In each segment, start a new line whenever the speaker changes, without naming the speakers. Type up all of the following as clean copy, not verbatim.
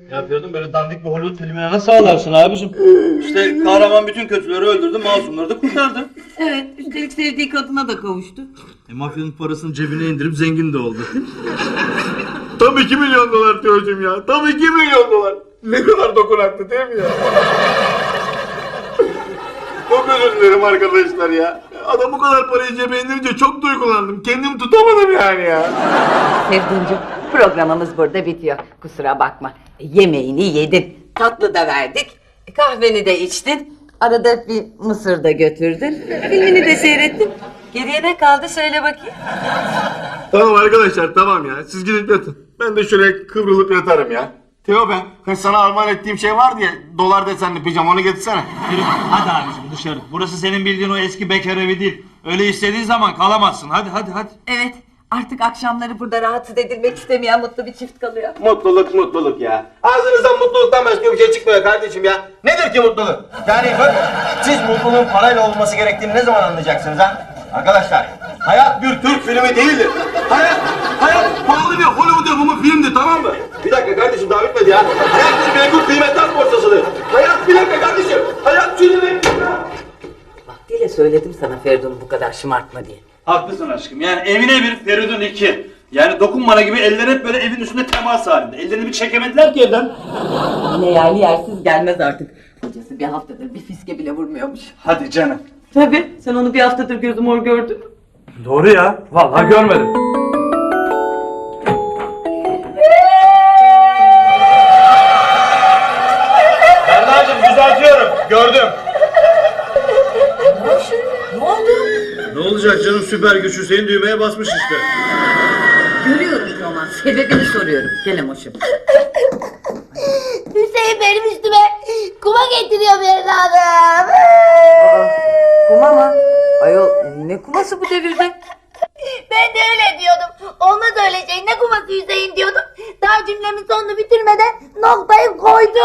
Yapıyordum böyle dandik bir Hollywood filmine nasıl ağlarsın abicim? İşte kahraman bütün kötüleri öldürdü, masumları da kurtardı.
Evet, üstelik sevdiği kadına da kavuştu.
Mafyanın parasını cebine indirip zengin de oldu.
Tam 2 milyon dolar Teocuğum ya. Tam 2 milyon dolar. Ne kadar dokunaklı değil mi ya? Çok özür dilerim arkadaşlar ya. Adam bu kadar parayı cebe indirince çok duygulandım. Kendimi tutamadım yani ya.
Sevdiğimciğim, programımız burada bitiyor. Kusura bakma. Yemeğini yedin, tatlı da verdik, kahveni de içtin. Arada bir mısır da götürdün. Filmini de seyrettin. Geriye ne kaldı söyle bakayım.
Tamam arkadaşlar tamam ya. Siz gidip yatın. Ben de şöyle kıvrılıp yatarım ya. Teo ben hani sana armağan ettiğim şey vardı ya. Dolar desenli pijama onu getirsene.
Yürü, hadi abicim dışarı. Burası senin bildiğin o eski bekar evi değil. Öyle istediğin zaman kalamazsın. Hadi.
Evet, artık akşamları burada rahatsız edilmek istemeyen mutlu bir çift kalıyor.
Mutluluk ya. Ağzınızdan mutluluktan başka bir şey çıkmıyor kardeşim ya. Nedir ki mutluluk? Yani bak siz mutluluğun parayla olması gerektiğini ne zaman anlayacaksınız ha? Arkadaşlar hayat bir Türk filmi değildir. Hayat pahalı bir Hollywood yapımı filmdir tamam mı? Bir dakika kardeşim daha bitmedi ya. Hayat bir menkul kıymetler borsasıdır. Hayat bir dakika kardeşim. Hayat filmi.
Vaktiyle söyledim sana Feridun'u bu kadar şımartma diye.
Haklısın aşkım. Yani evine bir, Feridun iki. Yani dokunmana gibi eller hep böyle evin üstünde temas halinde. Ellerini bir çekemediler ki evden.
Yine yerli yersiz gelmez artık. Kocası bir haftadır bir fiske bile vurmuyormuş.
Hadi canım.
Tabii, sen onu bir haftadır gözü mor gördün mü?
Doğru ya. Vallahi görmedim. Berna'cığım düzeltiyorum. Gördüm.
Ne oldu?
Ne olacak canım, süper güç Hüseyin düğmeye basmış işte.
Görüyorum Roman, sebebini soruyorum. Gel Emoş'um.
Hüseyin benim üstüme kuma getiriyor benim adam.
Kuma mı? Ayol, ne kuması bu devirde?
Ben de öyle diyordum. Olmaz öyle şey. Ne kuması Hüseyin diyordum. Daha cümlemin sonunu bitirmeden noktayı koydu.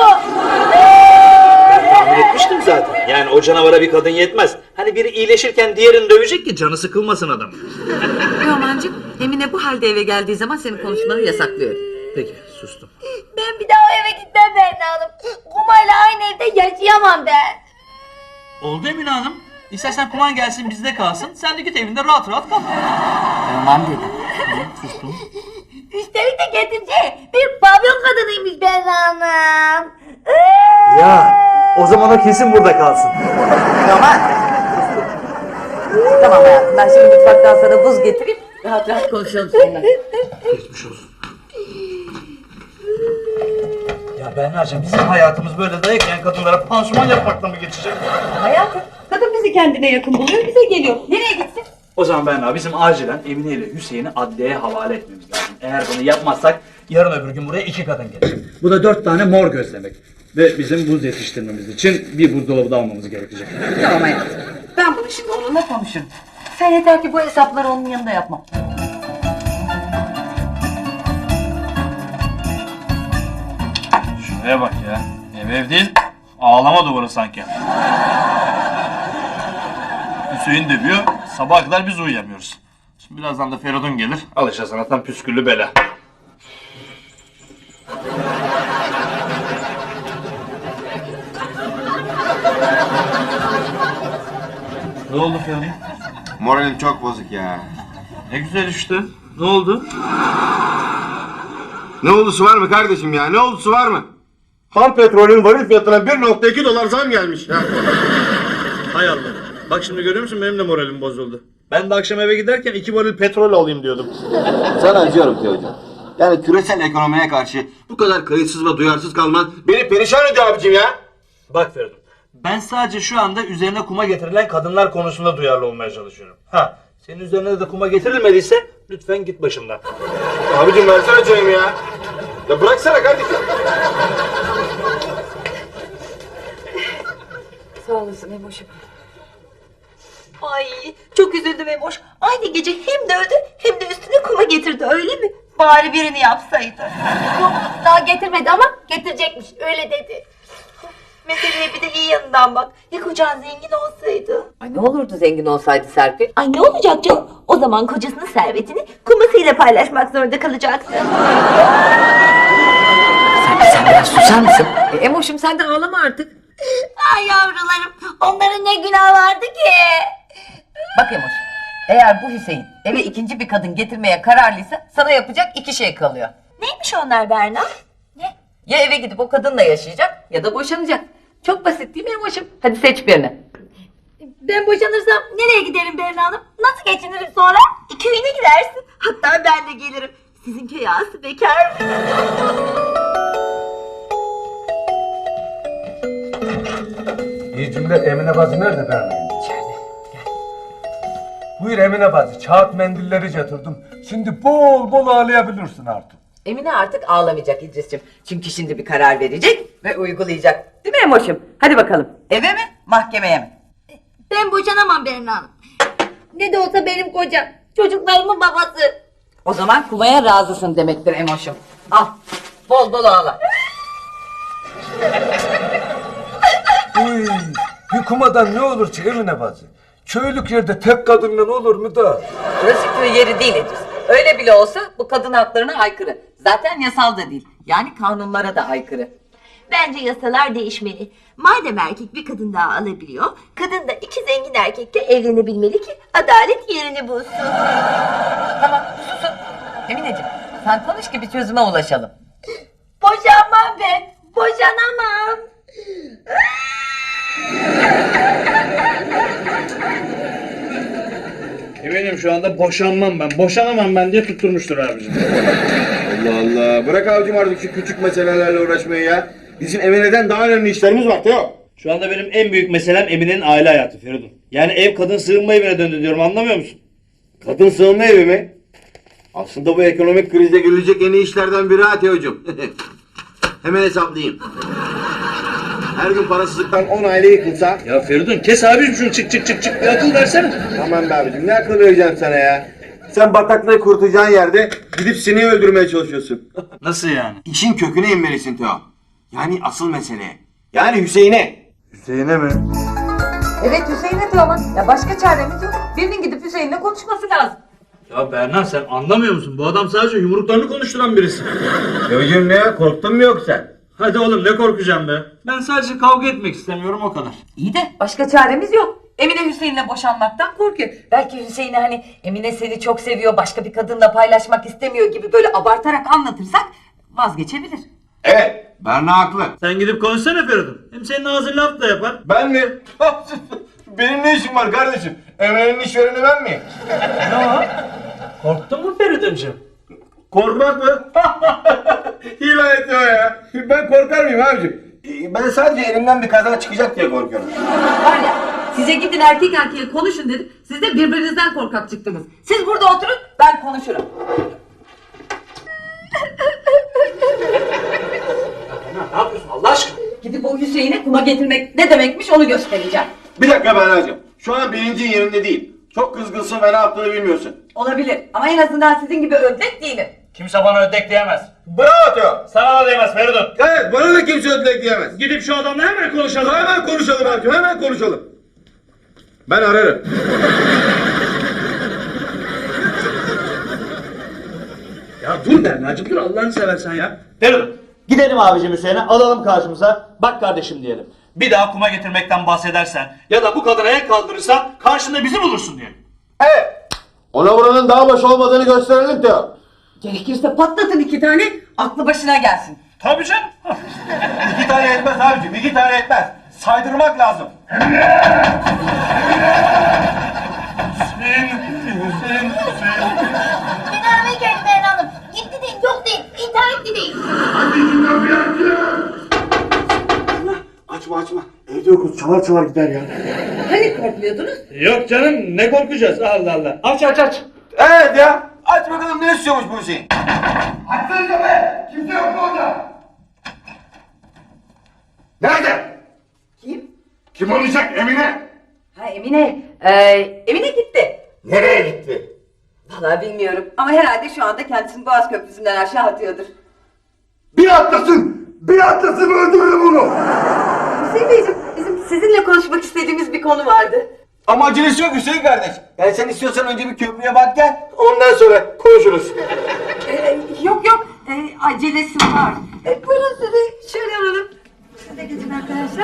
Tahmin etmiştim zaten. Yani o canavara bir kadın yetmez. Hani biri iyileşirken diğerini dövecek ki canı sıkılmasın adam.
Romancığım, Emine bu halde eve geldiği zaman senin konuşmanı yasaklıyorum.
Peki sustum.
Ben bir daha o eve gitmem Berna Hanım. Kumayla aynı evde yaşayamam ben.
Oldu Emine Hanım. İstersen kuman gelsin bizde kalsın. Sen de git evinde rahat rahat kal.
Roman dedim.
Sustum.
Üstelik de getireceği bir pavyon kadınıymış Berna Hanım.
Ya o zaman o kesin burada kalsın.
Roman. Tamam hayatım, ben şimdi mutfaktan sana buz getireyim. Rahat rahat konuşalım seninle.
Geçmiş olsun. Ya Berna'cığım bizim hayatımız böyle dayak yiyen kadınlara pansuman yapmakla mı geçecek?
Hayatım, kadın bizi kendine yakın buluyor, bize geliyor. Nereye gitsin?
O zaman Berna bizim acilen Emine ile Hüseyin'i adliyeye havale etmemiz lazım. Eğer bunu yapmazsak yarın öbür gün buraya 2 kadın gelecek. Bu da 4 tane mor gözlemek. Ve bizim buz yetiştirmemiz için bir buzdolabı da almamız gerekecek.
Tamam hayatım. Ben bunu şimdi onunla konuşurum. Sen yeter ki bu hesapları onun yanında yapma.
Şuraya bak ya. Ev değil, ağlama duvarı sanki. Hüseyin demiyor, sabaha kadar biz uyuyamıyoruz. Şimdi birazdan da Feridun gelir, alışa sanattan püsküllü bela. Ne oldu Feridun?
Moralim çok bozuk ya.
Ne güzel işte. Ne oldu?
Ne oldusu var mı kardeşim ya? Ne oldusu var mı? Ham petrolün varil fiyatına 1,2 dolar zam gelmiş ya.
Hay Allah. Bak şimdi görüyor musun benim de moralim bozuldu. Ben de akşam eve giderken 2 varil petrol alayım diyordum.
Sana acıyorum Teocuğum. Yani küresel ekonomiye karşı bu kadar kayıtsız ve duyarsız kalman beni perişan ediyor abicim ya.
Bak Feridun, ben sadece şu anda üzerine kuma getirilen kadınlar konusunda duyarlı olmaya çalışıyorum. Ha, senin üzerine de kuma getirilmediyse lütfen git başımdan.
Abicim versene çayımı ya. Ya bıraksana kardeşim.
Sağ olasın Emoş'um.
Ay çok üzüldüm Emoş. Aynı gece hem dövdü hem de üstüne kuma getirdi öyle mi? Bari birini yapsaydı. Yok daha getirmedi ama getirecekmiş öyle dedi. Meseleye bir de iyi yanından bak. Ya kocan zengin olsaydı?
Ay ne olurdu zengin olsaydı Serpil?
Ay ne olacak canım? O zaman kocasının servetini kumasıyla paylaşmak zorunda kalacaktı.
Sen Sen biraz susar mısın? Emoş'um sen de ağlama artık.
Ay yavrularım, onların ne günah vardı ki?
Bak Emoş, eğer bu Hüseyin eve ikinci bir kadın getirmeye kararlıysa sana yapacak iki şey kalıyor.
Neymiş onlar Berna? Ne?
Ya eve gidip o kadınla yaşayacak ya da boşanacak. Çok basit değil mi Emoş'um? Hadi seç birini.
Ben boşanırsam nereye giderim Berna Hanım? Nasıl geçinirim sonra? Köyüne gidersin. Hatta ben de gelirim. Sizin köy ağası bekar mı?
İyi cümle Emine bacı nerede Berna'yım?
İçeride. Gel.
Buyur Emine bacı, kağıt mendilleri getirdim. Şimdi bol bol ağlayabilirsin artık.
Emine artık ağlamayacak İdris'ciğim. Çünkü şimdi bir karar verecek ve uygulayacak. Değil mi Emoş'um? Hadi bakalım. Eve mi, mahkemeye mi?
Ben boşanamam Berna Hanım. Ne de olsa benim kocam. Çocuklarımın babası.
O zaman kumaya razısın demektir Emoş'um. Al, bol bol ağla.
Uy, bir kumadan ne olur ki Emine bacı? Köylük yerde tek kadınla olur mu da?
Burası köy yeri değil İdris. Öyle bile olsa bu kadın haklarına aykırı. Zaten yasal da değil. Yani kanunlara da aykırı.
Bence yasalar değişmeli. Madem erkek bir kadın daha alabiliyor, kadın da iki zengin erkekle evlenebilmeli ki adalet yerini bulsun.
Tamam, susun. Emineciğim, sen konuş ki bir çözüme ulaşalım.
Boşanmam ben. Boşanamam.
Eminim şu anda boşanmam ben, boşanamam ben diye tutturmuştur abicim.
Allah Allah. Bırak abicim artık şu küçük meselelerle uğraşmayı ya. Bizim Emine'den daha önemli işlerimiz var Teo.
Şu anda benim en büyük meselem Emine'nin aile hayatı Feridun. Yani ev kadın sığınma evine döndü diyorum, anlamıyor musun?
Kadın sığınma evi mi? Aslında bu ekonomik krizde görülecek en iyi işlerden biri ha Teo'cum. Hemen hesaplayayım. Her gün parasızlıktan 10 aile yıkılsa...
Ya Feridun kes abicim şunu, çık bir akıl versene.
Aman be abicim, ne akıl vereceğim sana ya. Sen bataklığı kurtulacağın yerde gidip sineği öldürmeye çalışıyorsun.
Nasıl yani?
İşin köküne inmelisin Teo. Yani asıl mesele. Yani Hüseyin'e.
Hüseyin'e mi?
Evet Hüseyin'e diyor ama ya başka çaremiz yok. Birinin gidip Hüseyin'le konuşması lazım.
Ya Berna sen anlamıyor musun? Bu adam sadece yumruklarını konuşturan birisi.
Teo'cum ne ya, korktun mu yoksa?
Hadi oğlum ne korkacağım be? Ben sadece kavga etmek istemiyorum, o kadar.
İyi de başka çaremiz yok. Emine Hüseyin'le boşanmaktan korkuyor. Belki Hüseyin'e hani Emine seni çok seviyor, başka bir kadınla paylaşmak istemiyor gibi böyle abartarak anlatırsak vazgeçebilir.
Evet, Berna haklı.
Sen gidip konuşsana Feridun. Hem senin ağzın laf da yapar.
Ben mi? Benim ne işim var kardeşim? Emre'nin işvereni ben miyim?
Korktun mu Feridun'cum?
Korkmak mı? Hile ediyor ya. Ben korkar mıyım abicim? Ben sadece elimden bir kaza çıkacak diye korkuyorum.
Var ya size gidin erkek erkeğe konuşun dedim. Siz de birbirinizden korkak çıktınız. Siz burada oturun, ben konuşurum.
Ne yapıyorsun Allah aşkına?
Gidip o Hüseyin'e kuma getirmek ne demekmiş onu göstereceğim.
Bir dakika Berna'cığım. Şu an bilincin yerinde değil. Çok kızgınsın ve ne yaptığını bilmiyorsun.
Olabilir ama en azından sizin gibi ödlek değilim.
Kimse bana ödek diyemez.
Bravo Teo.
Sana da diyemez Feridun.
Evet, bana da kimse ödlek diyemez.
Gidip şu adamla hemen konuşalım.
Hemen konuşalım abicim, hemen konuşalım. Ben ararım.
Ya dur Berna'cığım dur, Allah'ını seversen ya.
Feridun, gidelim abicim Hüseyin'e, alalım karşımıza. Bak kardeşim diyelim.
Bir daha kuma getirmekten bahsedersen ya da bu kadına el kaldırırsan karşında bizi bulursun diye.
Evet. Ona buranın daha boş olmadığını gösterelim Teo.
Gerekirse patlatın 2 tane, aklı başına gelsin.
Tabii canım.
2 tane etmez abicim, 2 tane etmez. Saydırmak lazım.
Beni geldi Berna Hanım. Gitti değil, yok değil, intihar etti değil.
Açma. Evde yokuz, çalar gider ya.
Hani korkmuyordunuz?
Yok canım, ne korkacağız, Allah Allah. Aç.
Evet ya. Aç bakalım ne istiyormuş bu Hüseyin.
Açsanıza be! Kimse yok mu orada?
Nerede?
Kim?
Kim olacak Emine?
Ha Emine. Emine gitti.
Nereye gitti?
Vallahi bilmiyorum ama herhalde şu anda kendisini Boğaz Köprüsü'nden aşağı atıyordur.
Bir atlasın öldürürüm onu.
Hüseyin Beyciğim, bizim sizinle konuşmak istediğimiz bir konu vardı.
Ama acelesi yok Hüseyin kardeş. Yani sen istiyorsan önce bir köprüye bak gel. Ondan sonra konuşuruz.
Yok. acelesi var. Buyurun sizi şöyle alalım. Siz de geçin arkadaşlar.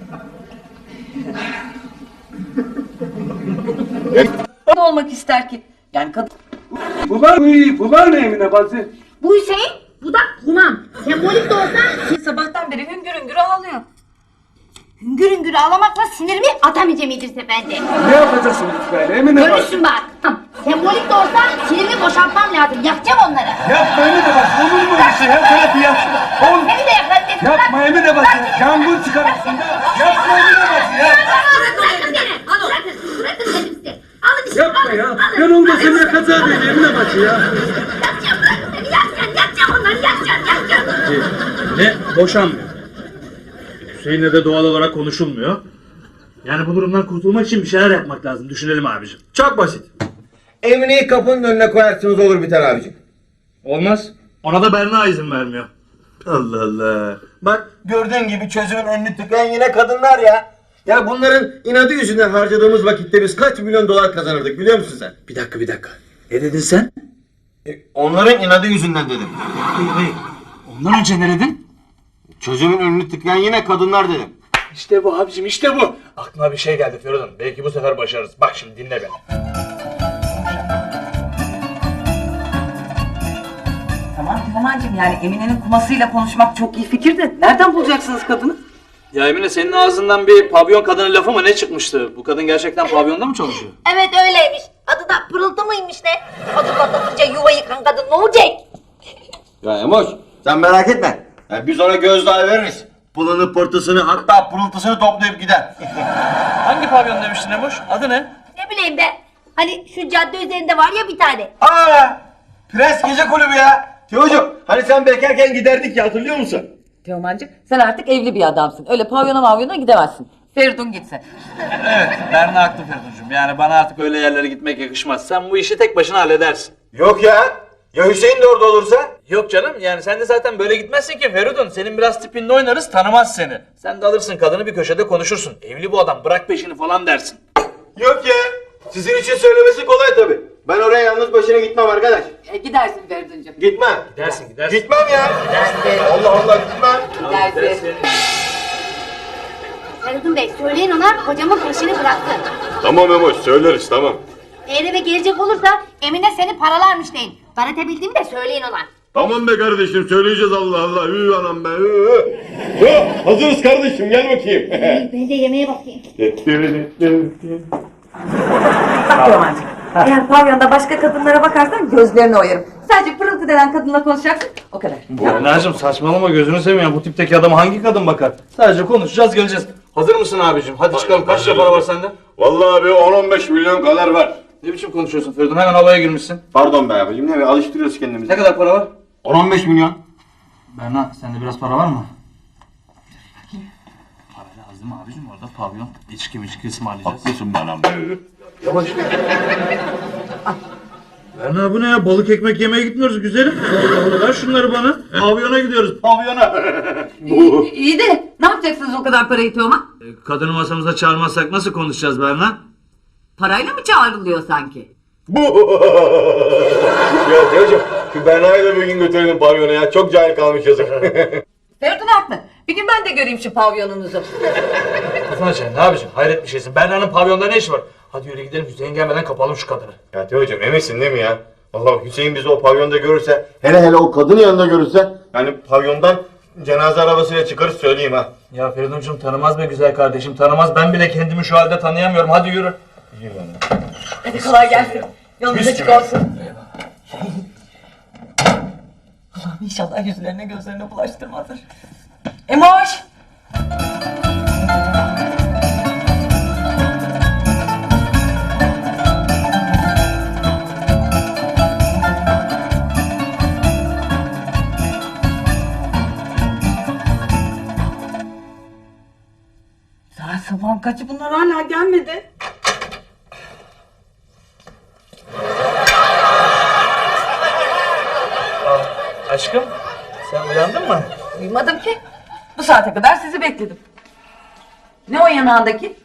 Ne olmak ister ki? Yani kadın...
Bu var ne Emine bacı?
Bu Hüseyin, bu da Humam. Sembolik de olsa
Sabahtan beri hüngür hüngür ağlıyor.
hüngür hüngür ağlamakla sinirimi atamayacağım İdris Efendi.
Ne yapacaksın böyle Emine bacı?
Görürsün bak. Sembolik de olsa sinirimi boşaltmam lazım. Yakacağım onları.
Yapma Emine bacı, olur mu öyle şey? Her tarafı yaksın. Oğlum,
Seni de yakarım dedim.
yapma Emine bacı, yangın çıkarırsın. Yapma Emine bacı ya.
Bırakın beni. Bırakın dedim size. Alın işte.
Yapma ya. Ben olmasam yakacağım beni Emine bacı ya.
Yakacağım, bırakın beni. Yakacağım onları. Yakacağım.
Ne? Boşanmıyor. Hüseyin'le de doğal olarak konuşulmuyor. Yani bu durumdan kurtulmak için bir şeyler yapmak lazım. Düşünelim abicim.
Çok basit. Emine'yi kapının önüne koyarsınız olur biter abicim.
Olmaz. Ona da Berna izin vermiyor.
Allah Allah. Bak gördüğün gibi çözümün önünü tıkayan yine kadınlar ya. Ya bunların inadı yüzünden harcadığımız vakitte biz kaç milyon dolar kazanırdık biliyor musun sen?
Bir dakika. Ne dedin sen?
Onların inadı yüzünden dedim.
Ondan önce ne dedin?
Çözümün önünü tıkayan yine kadınlar dedim.
İşte bu abicim, işte bu. Aklıma bir şey geldi Feridun. Belki bu sefer başarırız. Bak şimdi dinle beni.
Tamam Teoman'cığım, yani Emine'nin kumasıyla konuşmak çok iyi fikir de nereden bulacaksınız kadını?
Ya Emine, senin ağzından bir pavyon kadını lafı mı ne çıkmıştı? Bu kadın gerçekten pavyonda mı çalışıyor?
Evet öyleymiş. Adı da Pırıltı mıymış ne? Adı patlatınca yuva yıkan kadın ne olacak?
Ya Emoş sen merak etme. Ya biz ona gözdağı veririz. Pılını pırtısını hatta pırıltısını toplayıp gider.
Hangi pavyon demiştin Emoş? Adı ne?
Ne bileyim be. Hani şu cadde üzerinde var ya bir tane.
Aa! Prens Gece Kulübü ya. Teocuğum hani sen bekarken giderdik ya hatırlıyor musun?
Teoman'cığım sen artık evli bir adamsın. Öyle pavyona mavyona gidemezsin. Feridun gitsin.
Evet, Berna haklı Feridun'cum. Yani bana artık öyle yerlere gitmek yakışmaz. Sen bu işi tek başına halledersin.
Yok ya. Ya Hüseyin de orada olursa?
Yok canım, yani sen de zaten böyle gitmezsin ki Feridun. Senin biraz tipinle oynarız, tanımaz seni. Sen de alırsın kadını, bir köşede konuşursun. Evli bu adam, bırak peşini falan dersin.
Yok ya. Sizin için söylemesi kolay tabii. Ben oraya yalnız başına gitmem arkadaş.
Gidersin Feridun'cum.
Gitmem.
Gidersin.
Gitmem ya.
Gidersin.
Allah Allah gitmem.
Gidersin.
Feridun Bey söyleyin ona kocamın peşini bıraktı.
Tamam Emoş söyleriz tamam.
Eğer eve gelecek olursa Emine seni paralarmış deyin. Ben edebildiğimi de söyleyin ona.
Tamam be kardeşim söyleyeceğiz Allah Allah. Hü anam be. Hazırız kardeşim gel bakayım.
Ben de yemeğe bakayım.
Bak Teoman'cığım. Eğer pavyonda başka kadınlara bakarsan gözlerini oyarım. Sadece Pırıltı denen kadınla konuşacaksın. O kadar.
Berna'cığım saçmalama, gözünü seveyim ya. Bu tipteki adama hangi kadın bakar? Sadece konuşacağız, geleceğiz. Hazır mısın abicim? Hadi çıkalım. Kaç lira para var sende?
Vallahi abi 10-15 milyon kadar var.
Ne biçim konuşuyorsun Feridun? Hemen havaya girmişsin.
Pardon be abicim ne be alıştırıyoruz kendimizi.
Ne kadar para var?
10-15 milyon.
Berna, sende biraz para var mı? Para lazım abicim, orada pavyon. İçki ısmarlayacağız.
Haklısın bana.
Berna, bu ne ya? Balık ekmek yemeye gitmiyoruz güzelim. Allah Allah, ver şunları bana. Pavyona gidiyoruz, pavyona.
İyi de ne yapacaksınız o kadar parayı Teoman?
Kadını masamıza çağırmazsak nasıl konuşacağız Berna?
Parayla mı çağrılıyor sanki?
Ya Teocuğum şu Berna'yı da bir gün götürelim pavyona ya. Çok cahil kalmış yazık.
Feridun haklı. Bir gün ben de göreyim şu pavyonunuzu.
Kafana çay, ne yapacaksın? Hayret bir şeysin. Berna'nın pavyonda ne işi var? Hadi yürü gidelim, Hüseyin gelmeden kapalım şu kadını.
Ya Teocuğum eminsin değil mi ya? Vallahi Hüseyin bizi o pavyonda görürse, hele o kadının yanında görürse, yani pavyondan cenaze arabasıyla çıkarız söyleyeyim ha.
Ya Feridun'cum tanımaz be güzel kardeşim, tanımaz. Ben bile kendimi şu halde tanıyamıyorum. Hadi yürü.
Hadi kolay gelsin. Yolunuz açık olsun. Allah'ım inşallah yüzlerine gözlerine bulaştırmazlar. Emoş! Saat sabahın kaçı, bunlar hala gelmedi.
Aşkım, sen uyandın mı?
Uyumadım ki. Bu saate kadar sizi bekledim. Ne o yanağındaki?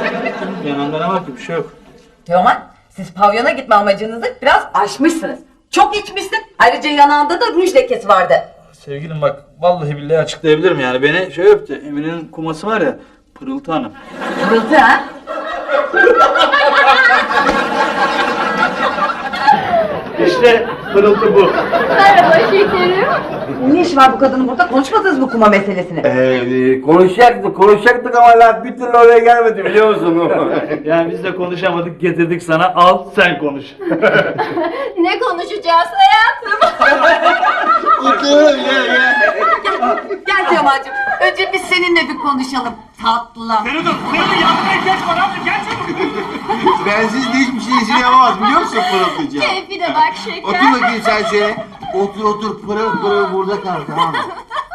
Yanında ne var ki? Bir şey yok.
Teoman, siz pavyona gitme amacınızı biraz aşmışsınız. Çok içmişsin. Ayrıca yanağında da ruj lekesi vardı.
Sevgilim bak vallahi billahi açıklayabilirim yani. Beni şey öptü. Emine'nin kuması var ya. Pırıltı Hanım.
Pırıltı ha?
İşte pırıltı bu.
Merhaba şekerim.
Ne işi var bu kadının burada? Konuşmadınız mı kuma meselesini?
Konuşacaktık ama laf bir türlü oraya gelmedi biliyor musun?
Yani biz de konuşamadık, getirdik sana. Al sen konuş.
Ne konuşacağız hayatım?
Gel Teoman'cığım. Önce biz seninle bir konuşalım. Tatlım.
Bensiz de hiçbir şey işini yapamaz biliyor musun pırıltıcı?
Keyfine bak şeker.
Otur bakayım sen şöyle. Otur pırıl pırıl burada kal tamam mı?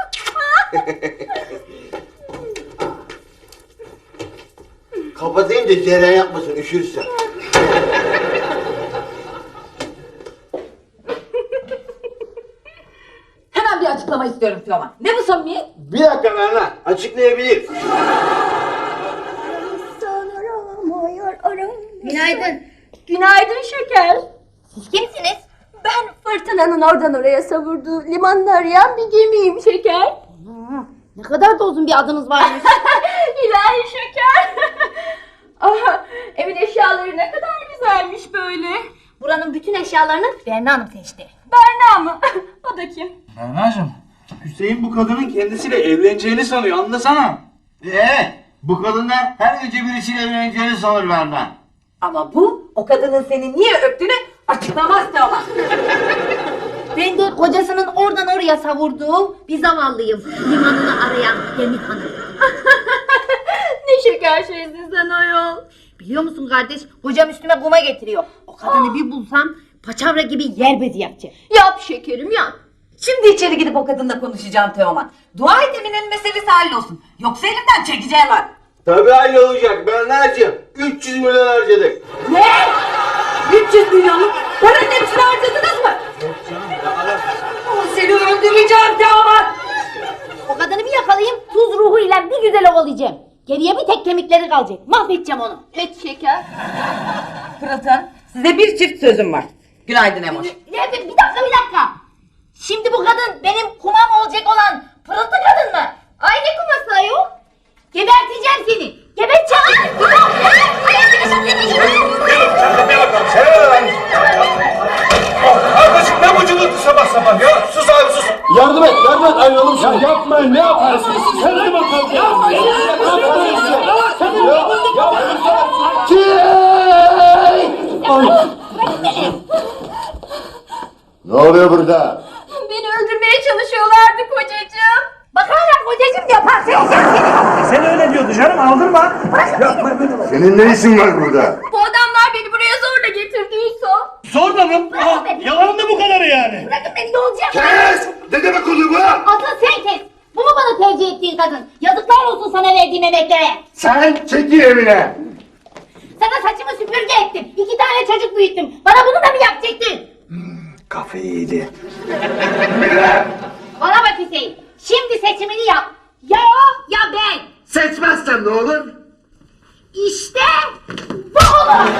Kapatayım da cereyan yapmasın üşürsün.
Hemen bir açıklama istiyorum Teoman. Ne bu samimiyet?
Bir dakika Berna açıklayabilir.
Günaydın. Günaydın şeker. Siz kimsiniz? Ben fırtınanın oradan oraya savurduğu limanını arayan bir gemiyim şeker.
Ne kadar da uzun bir adınız varmış.
İlahi şeker. Ah, evin eşyaları ne kadar güzelmiş böyle.
Buranın bütün eşyalarını Berna Hanım seçti.
Berna mı? O da kim?
Berna'cığım. Hüseyin bu kadının kendisiyle evleneceğini sanıyor. Anlasana.
Bu kadın da her gece birisiyle evleneceğini sanır Berna.
Ama bu o kadının seni niye öptüğünü açıklamaz Teoman.
Ben de kocasının oradan oraya savurduğu bir zavallıyım. Limanını arayan gemi hanım.
Ne şeker şeysin sen ayol.
Biliyor musun kardeş? Kocam üstüme kuma getiriyor. O kadını bir bulsam paçavra gibi yer bezi yapacak.
Yap şekerim yap.
Şimdi içeri gidip o kadınla konuşacağım Teoman. Dua et Emine'nin meselesi hallolsun. Yoksa elimden çekeceği var.
Tabii öyle olacak Berna'cığım. 300 milyon harcadık.
Ne? 300 milyon mu? Paranın hepsini harcadınız mı? Seni öldüreceğim Teoman.
O kadını bir yakalayayım, tuz ruhuyla bir güzel ovalayacağım. Geriye bir tek kemikleri kalacak. Mahvedeceğim onu.
Et şeker.
Pırıltı Hanım, size bir çift sözüm var. Günaydın Emoş.
Ne? Bir dakika. Şimdi bu kadın benim kumam olacak olan pırıltı kadın mı? Ay ne kuması ayol? Geberteceğim seni. Geberteceğim.
Kardeşim ne bu cıvıltı sabah sabah ya? Sus abi sus.
Yardım et ayrılalım şimdi.
Ya yapmayın ne yaparsınız? Kendime kalkıyorum.
Ne oluyor burada?
Beni öldürmeye çalışıyorlardı kocacığım.
Bak hala kocacığım yapar.
Sen öyle diyordu canım, aldırma.
Senin ne işin var burada?
Bu adamlar beni buraya zorla getirdiyse.
Zorla mı? Yalanın da bu kadarı yani.
Bırakın beni, ne olacak?
Kes! Ne demek oluyor bu?
Asıl sen kes. Bu mu bana tercih ettiğin kadın? Yazıklar olsun sana verdiğim emeklere.
Sen çekil evine.
Sana saçımı süpürge ettim. 2 tane çocuk büyüttüm. Bana bunu da mı yapacaktın?
Kafayı yedi.
Bana bak Hüseyin. Şimdi seçimini yap. Ya o ya ben.
Seçmezsen ne olur?
İşte bu olur.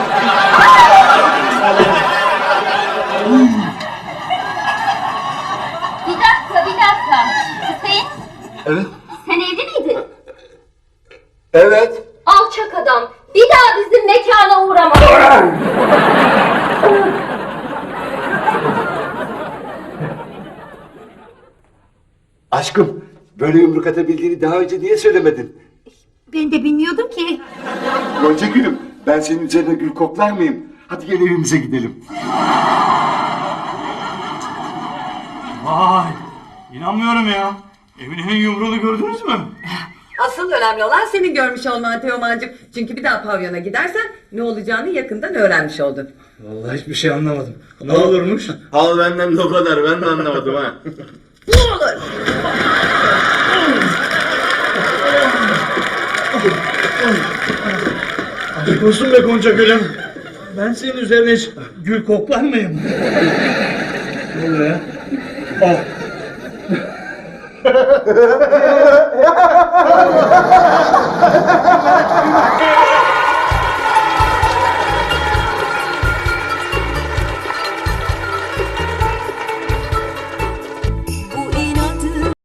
Bir dakika. Hüseyin
Evet.
sen evli miydin?
Evet.
Alçak adam. Bir daha bizim mekana uğrama.
Aşkım, böyle yumruk atabildiğini daha önce niye söylemedin?
Ben de bilmiyordum ki.
Gonca gülüm, ben senin üzerine gül koklar mıyım? Hadi gel evimize gidelim.
Vay, inanmıyorum ya. Emine'nin yumruğunu gördünüz mü?
Asıl önemli olan senin görmüş olman Teoman'cığım. Çünkü bir daha pavyona gidersen ne olacağını yakından öğrenmiş oldun.
Vallahi hiçbir şey anlamadım. Ne olurmuş?
Al benden de o kadar, ben de anlamadım ha.
Ne olur?
Aşk olsun be Gonca gülüm. Ben senin üzerine hiç gül koklar mıyım? Ne oluyor ya? Ah.